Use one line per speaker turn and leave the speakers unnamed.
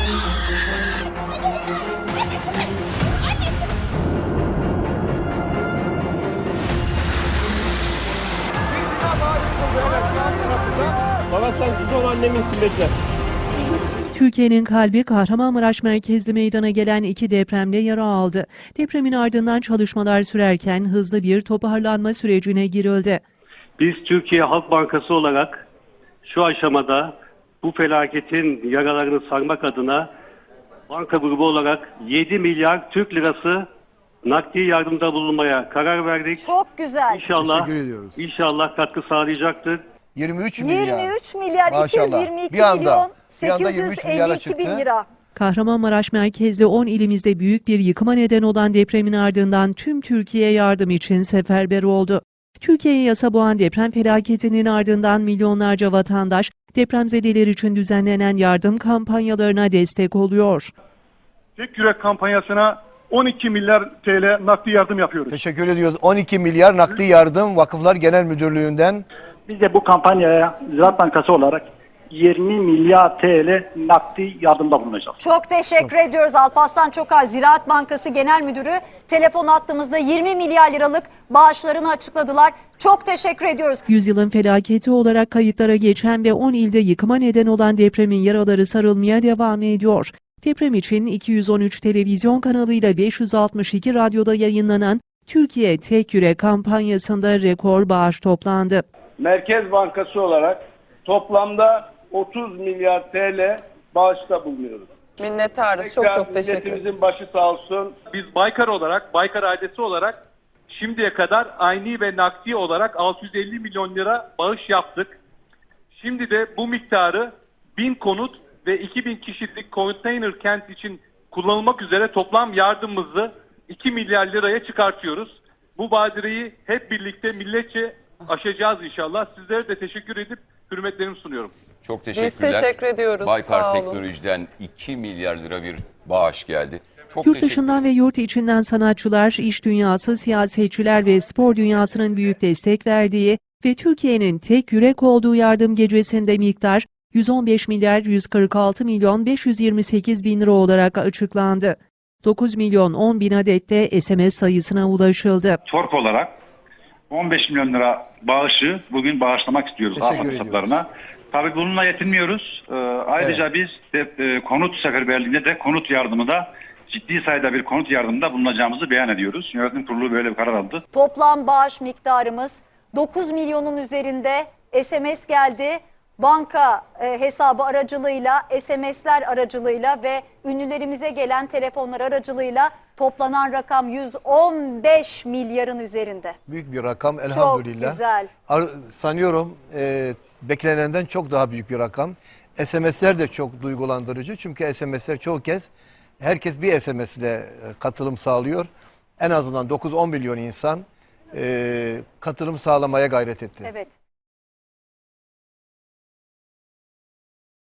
Baba sen düzgün anneminsin, bekle.
Türkiye'nin kalbi Kahramanmaraş merkezli meydana gelen iki depremde yara aldı. Depremin ardından çalışmalar sürerken hızlı bir toparlanma sürecine girildi.
Biz Türkiye Halk Bankası olarak şu aşamada bu felaketin yaralarını sarmak adına banka grubu olarak 7 milyar Türk lirası nakdi yardımda bulunmaya karar verdik.
Çok güzel.
İnşallah katkı sağlayacaktır.
23 milyar
Maşallah.
222
Bir anda
milyon
23 milyara
852 bin
çıktı.
lira.
Kahramanmaraş merkezli 10 ilimizde büyük bir yıkıma neden olan depremin ardından tüm Türkiye yardım için seferber oldu. Türkiye'yi yasa boğan deprem felaketinin ardından milyonlarca vatandaş depremzedeler için düzenlenen yardım kampanyalarına destek oluyor.
Tek Yürek kampanyasına 12 milyar TL nakdi yardım yapıyoruz.
Teşekkür ediyoruz. 12 milyar nakdi yardım Vakıflar Genel Müdürlüğü'nden.
Biz de bu kampanyaya Ziraat Bankası olarak 20 milyar TL nakdi yardımda bulunacağız.
Çok teşekkür ediyoruz Alparslan Çokar, Ziraat Bankası Genel Müdürü. Telefon attığımızda 20 milyar liralık bağışlarını açıkladılar. Çok teşekkür ediyoruz.
Yüzyılın felaketi olarak kayıtlara geçen ve 10 ilde yıkıma neden olan depremin yaraları sarılmaya devam ediyor. Deprem için 213 televizyon kanalıyla 562 radyoda yayınlanan Türkiye Tek Yürek kampanyasında rekor bağış toplandı.
Merkez Bankası olarak toplamda 30 milyar TL bağışta bulunuyoruz.
Minnettarız. Çok teşekkür ederim.
Milletimizin başı sağ olsun.
Biz Baykar olarak, Baykar ailesi olarak şimdiye kadar ayni ve nakdi olarak 650 milyon lira bağış yaptık. Şimdi de bu miktarı 1000 konut ve 2000 kişilik konteyner kent için kullanılmak üzere toplam yardımımızı 2 milyar liraya çıkartıyoruz. Bu badireyi hep birlikte milletçe aşacağız inşallah. Sizlere de teşekkür edip hürmetlerimi sunuyorum.
Çok teşekkürler. Biz teşekkür ediyoruz.
Baykar
Sağ olun.
Teknoloji'den 2 milyar lira bir bağış geldi. Çok
Yurt dışından ve yurt içinden sanatçılar, iş dünyası, siyasetçiler ve spor dünyasının büyük destek verdiği ve Türkiye'nin tek yürek olduğu yardım gecesinde miktar 115 milyar 146 milyon 528 bin lira olarak açıklandı. 9 milyon 10 bin adette SMS sayısına ulaşıldı.
Tork olarak 15 milyon lira bağışı bugün bağışlamak istiyoruz
Teşekkür
AFAD hesaplarına. Tabii bununla yetinmiyoruz. Ayrıca biz de, konut seferberliğinde de konut yardımı da ciddi sayıda bir konut yardımında bulunacağımızı beyan ediyoruz. Yönetim kurulu böyle bir karar aldı.
Toplam bağış miktarımız 9 milyonun üzerinde SMS geldi. Banka hesabı aracılığıyla, SMS'ler aracılığıyla ve ünlülerimize gelen telefonlar aracılığıyla toplanan rakam 115 milyarın üzerinde.
Büyük bir rakam elhamdülillah.
Çok güzel.
Sanıyorum beklenenden çok daha büyük bir rakam. SMS'ler de çok duygulandırıcı. Çünkü SMS'ler çoğu kez herkes bir SMS ile katılım sağlıyor. En azından 9-10 milyon insan katılım sağlamaya gayret etti.
Evet.